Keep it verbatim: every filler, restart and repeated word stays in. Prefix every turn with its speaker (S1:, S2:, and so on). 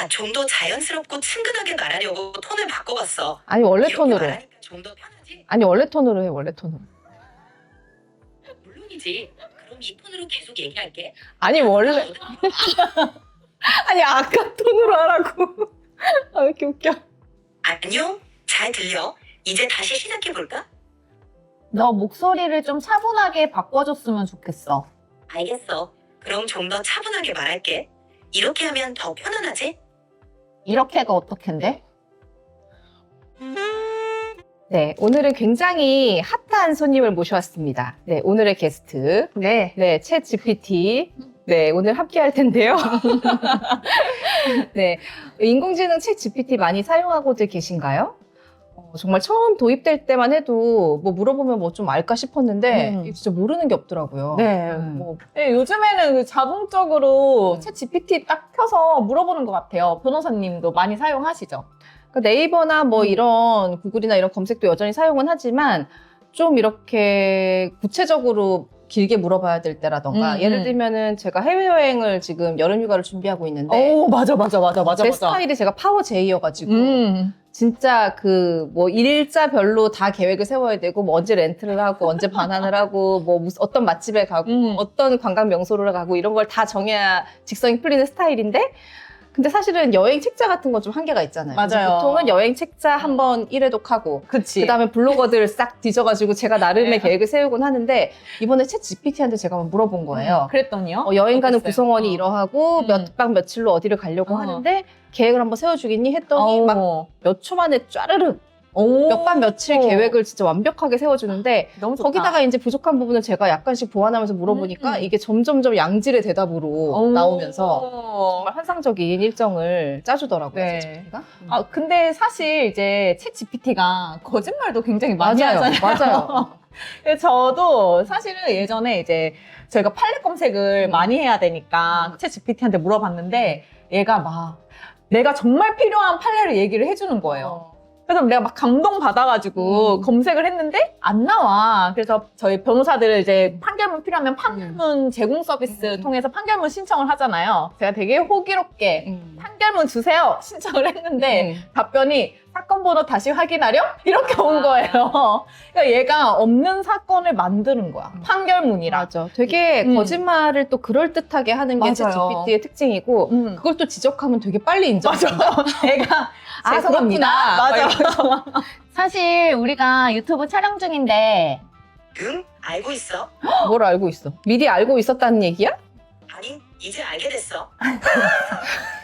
S1: 아, 좀 더 자연스럽고 친근하게 말하려고 톤을 바꿔봤어.
S2: 아니 원래
S1: 이렇게
S2: 톤으로.
S1: 말하니까 좀 더 편하지?
S2: 아니 원래 톤으로 해 원래 ton으로.
S1: 물론이지. 그럼 이 톤으로 계속 얘기할게.
S2: 아니 원래 아니 아까 톤으로 하라고. 아 왜 이렇게 웃겨.
S1: 안녕? 잘 들려? 이제 다시 시작해볼까?
S3: 너 목소리를 좀 차분하게 바꿔줬으면 좋겠어.
S1: 알겠어. 그럼 좀 더 차분하게 말할게. 이렇게 하면 더 편안하지?
S3: 이렇게가 어떻게인데?
S2: 네, 오늘은 굉장히 핫한 손님을 모셔왔습니다. 네, 오늘의 게스트.
S3: 네.
S2: 네, 챗 지피티. 네, 오늘 함께 할 텐데요. 네, 인공지능 챗 지피티 많이 사용하고들 계신가요? 어, 정말 처음 도입될 때만 해도 뭐 물어보면 뭐 좀 알까 싶었는데
S3: 음.
S2: 이게 진짜 모르는 게 없더라고요.
S3: 네.
S2: 음.
S3: 뭐, 네, 요즘에는 그 자동적으로
S2: 음.
S3: 챗 지피티 딱 켜서 물어보는 것 같아요. 변호사님도 많이 사용하시죠?
S2: 그러니까 네이버나 뭐
S3: 음.
S2: 이런 구글이나 이런 검색도 여전히 사용은 하지만 좀 이렇게 구체적으로 길게 물어봐야 될 때라던가
S3: 음,
S2: 예를
S3: 음.
S2: 들면은 제가 해외여행을 지금 여름휴가를 준비하고 있는데
S3: 오, 맞아, 맞아, 맞아, 맞아.
S2: 제
S3: 맞아.
S2: 스타일이 제가 파워 제이여가지고
S3: 음.
S2: 진짜 그 뭐 일자별로 다 계획을 세워야 되고 뭐 언제 렌트를 하고 언제 반환을 하고 뭐 무슨 어떤 맛집에 가고
S3: 음.
S2: 어떤 관광 명소를 가고 이런 걸 다 정해야 직성이 풀리는 스타일인데 근데 사실은 여행 책자 같은 건 좀 한계가 있잖아요. 그래서
S3: 맞아요.
S2: 보통은 여행 책자 한번 일회독하고
S3: 그치.
S2: 그다음에 블로거들 싹 뒤져가지고 제가 나름의
S3: 네.
S2: 계획을 세우곤 하는데 이번에 챗 지피티한테 제가 한번 물어본 거예요.
S3: 음, 그랬더니요?
S2: 어, 여행 가는
S3: 어땠어요?
S2: 구성원이
S3: 어.
S2: 이러하고
S3: 음.
S2: 몇 박 며칠로 어디를 가려고
S3: 어.
S2: 하는데 계획을 한번 세워주겠니 했더니 막
S3: 어.
S2: 몇 초 만에 쫘르륵
S3: 오.
S2: 몇 박 며칠 계획을 진짜 완벽하게 세워주는데
S3: 너무 좋다.
S2: 거기다가 이제 부족한 부분을 제가 약간씩 보완하면서 물어보니까
S3: 음.
S2: 이게 점점점 양질의 대답으로
S3: 오.
S2: 나오면서 정말 환상적인 일정을 짜주더라고요.
S3: 네.
S2: 챗 지피티가.
S3: 아, 근데 사실 이제 챗 지피티가 거짓말도 굉장히 많이
S2: 맞아요.
S3: 하잖아요.
S2: 맞아요.
S3: 그래서 저도 사실은 예전에 이제 저희가 팔레 검색을
S2: 음.
S3: 많이 해야 되니까 챗 지피티한테 물어봤는데 얘가 막 내가 정말 필요한 판례를 얘기를 해주는 거예요. 그래서 내가 막 감동 받아가지고
S2: 음.
S3: 검색을 했는데 안 나와. 그래서 저희 변호사들을 이제 판결문 필요하면 판결문 제공 서비스
S2: 음.
S3: 통해서 판결문 신청을 하잖아요. 제가 되게 호기롭게
S2: 음.
S3: 판결문 주세요 신청을 했는데
S2: 음.
S3: 답변이 사건 번호 다시 확인하렴? 이렇게 온 거예요. 그러니까 얘가 없는 사건을 만드는 거야. 판결문이라.
S2: 맞아. 되게
S3: 음.
S2: 거짓말을 또 그럴듯하게 하는 게 챗
S3: 맞아요.
S2: 지피티의 특징이고
S3: 음.
S2: 그걸 또 지적하면 되게 빨리 인정해.
S3: 맞아. 얘가
S2: 아,
S3: 죄송합니다.
S2: 그렇구나.
S3: 맞아.
S4: 사실 우리가 유튜브 촬영 중인데
S1: 응? 알고 있어?
S2: 뭘 알고 있어? 미리 알고 있었다는 얘기야?
S1: 아니, 이제 알게 됐어.